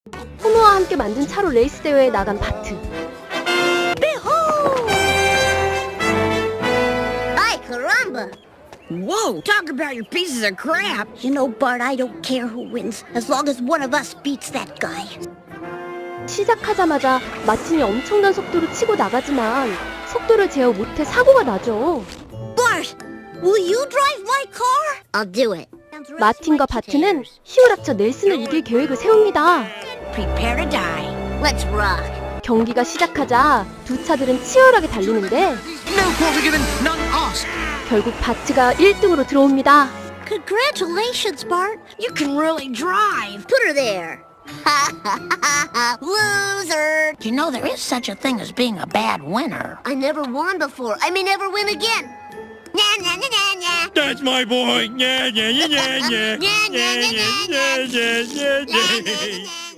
호노와 함께 만든 차로 레이스 대회에 나간 바트. Ay, caramba! Whoa, talk about your pieces of crap. You know, Bart, I don't care who wins, as long as one of us beats that guy. 시작하자마자 마틴이 엄청난 속도로 치고 나가지만 속도를 제어 못해 사고가 나죠. Bart, will you drive my car? I'll do it. 마틴과 바트는 힘을 합쳐 넬슨을 이길 계획을 세웁니다. Prepare to die. Let's rock. 경기가 시작하자 두 차들은 치열하게 달리는데 No fault given, none asked. 결국 바트가 1등으로 들어옵니다. Congratulations, Bart. You can really drive. Put her there. Ha ha ha ha! Loser! You know there is such a thing as being a bad winner. I never won before. I may never win again. Nah, nah, nah, nah, nah. That's my boy. Yeah, yeah, yeah, yeah, yeah. Yeah, yeah, yeah, yeah, yeah. yeah, yeah, yeah, yeah.